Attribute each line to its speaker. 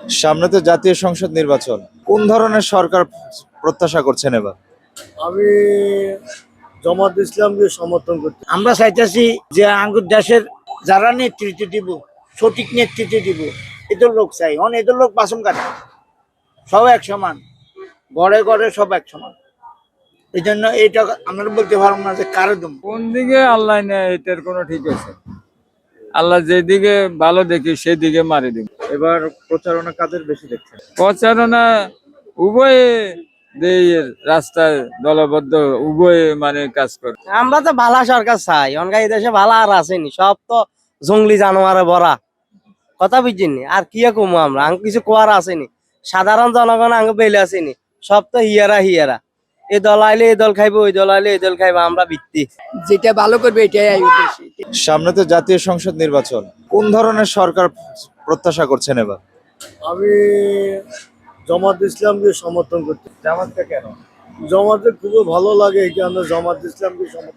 Speaker 1: সামনে তো জাতীয় সংসদ নির্বাচন, কোন ধরনের সরকার প্রত্যাশা করছেন এবার?
Speaker 2: আমি জামাত ইসলামকে সমর্থন করছি।
Speaker 3: আমরা চাইতেছি যে আঙ্গুর দেশের যারা নেতৃত্ব দিব, সঠিক নেতৃত্ব দিব, এদের লোক চাই। এদের লোক বাসন কাটে, সব এক সমান, ঘরে ঘরে সব এক সমান। এই জন্য এইটা আমরা বলতে পারবো না যে কারো দম।
Speaker 4: কোন দিকে আল্লাহ নেয় এটার কোনো ঠিক আছে। আল্লাহ যেদিকে ভালো দেখি সেদিকে মারি দিব।
Speaker 1: এবার প্রচারণা কাদের বেশি দেখছেন?
Speaker 4: প্রচারণা উভয়ে রাস্তায় দলবদ্ধ উভয়ে মানে কাজ করে।
Speaker 5: আমরা তো ভালো সরকার চাই, অনকা এই দেশে ভালো আর আসেনি, সব তো জঙ্গলি জানোয়ারে ভরা। কথা বুঝিনি আর কি কমু আমরা, আঙ্গ কিছু কোয়ার আসেনি, সাধারণ জনগণ আঙ্গ বেলে আসেনি, সব তো হিয়ারা হিয়ারা। এই দল আইলে এই দল খাইবো, ওই দল আইলে এই দল খাইবো, আমরা ভিত্তি
Speaker 6: যেটা ভালো করবে এটাই আমি বলছি।
Speaker 1: সামনে তো জাতীয় সংসদ নির্বাচন, কোন ধরনের সরকার প্রত্যাশা করছেন এবার?
Speaker 2: আমি জামাত ইসলামকে সমর্থন করছি।
Speaker 1: জামাতটা কেন?
Speaker 2: জামাতে খুবই ভালো লাগে, এই কারণে জামাত ইসলামকে সমর্থন